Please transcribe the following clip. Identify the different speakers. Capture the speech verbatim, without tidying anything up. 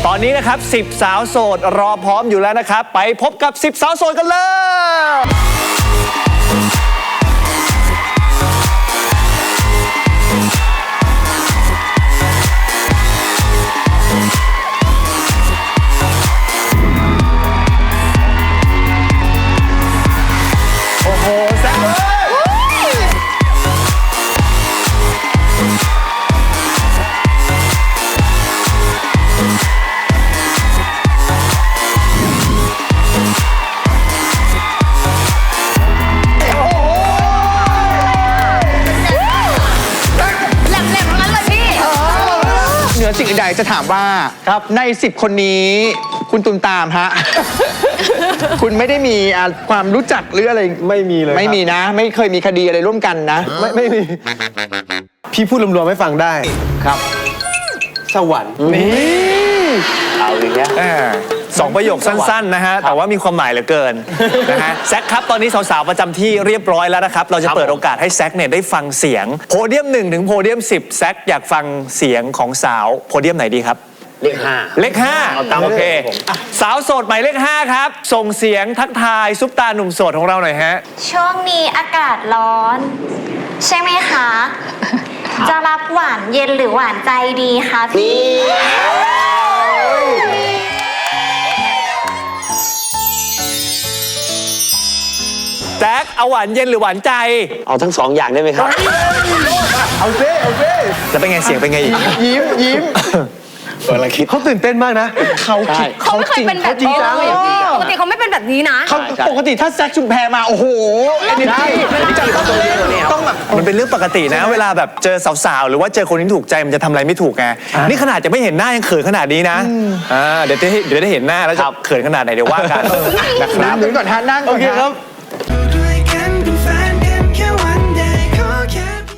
Speaker 1: ตอนนี้นะครับสิบสาวโสดรอพร้อมอยู่แล้วนะครับไปพบกับสิบสาวโสดกันเลยโอ้โหแซ่บเลย
Speaker 2: เหนือสิ่งอื่นใดจะถามว่าครับในสิบคนนี้คุณตุมตามฮะ คุณไม่ได้มีอ่ะความรู้จักหรืออะไร
Speaker 3: ไม่มีเลย
Speaker 2: ไม่มีนะ ไม่เคยมีคดีอะไรร่วมกันนะ
Speaker 3: ไม่ไม่มี พี่พูดรวมๆให้ฟังได้
Speaker 2: ครับ
Speaker 3: สวรรค์
Speaker 1: นี่
Speaker 3: เอาอย่างเงี้ย
Speaker 1: สองประโยคสั้นๆนะฮะแต่ว่ามีความหมายเหลือเกินนะฮะแซคครับตอนนี้สาวๆประจำที่เรียบร้อยแล้วนะครับเราจะเปิดโอกาสให้แซคเนี่ยได้ฟังเสียงโพเดียมหนึ่งถึงโพเดียมสิบแซคอยากฟังเสียงของสาวโพเดียมไหนดีครับ
Speaker 3: เลขห้า
Speaker 1: เลขห้า
Speaker 3: เอาตาม
Speaker 1: โอเค
Speaker 3: เลขผม
Speaker 1: สาวโสดหมายเลขห้าครับส่งเสียงทักทายซุปตาหนุ่มโสดของเราหน่อยฮะ
Speaker 4: ช่วงนี้อากาศร้อน ใช่ไหมคะ จะรับหวานเย็นหรือหวานใจดีคะพี่
Speaker 1: แจ็คเอาหวานเย็นหรือหวานใจ
Speaker 3: เอาทั้งสองอย่างได้ไหมครับ
Speaker 2: เอาเซ่เอาเซ่
Speaker 1: แล้วเป็นไงเสียงเป็นไงอีก
Speaker 2: ยิ้มยิ้ม
Speaker 3: เปิดอะไรคิด
Speaker 2: เขาตื่นเต้นมากนะเขาคิด
Speaker 5: เขาไม่เคยเป็นแบบนี้เลยอะพี่ปกติเขาไม่เป็นแบบนี้นะ
Speaker 2: เขาปกติถ้าแซคชุมแพมาโอ้โหเอเนจีต้องแบบ
Speaker 1: มันเป็นเรื่องปกตินะ เวลาแบบเจอสาวๆหรือว่าเจอคนที่ถูกใจมันจะทำอะไรไม่ถูกไงนี่ขนาดจะไม่เห็นหน้ายังเขินขนาดนี้นะอ่าเดี๋ยวจะเดี๋ยวได้เห็นหน้าแล้วจะเขินขนาดไหนเดี๋ยวว่ากันนะครับ
Speaker 2: นั่งก่อนฮะนั่งก่อน
Speaker 1: โอเค
Speaker 2: ฮะ
Speaker 1: ครับ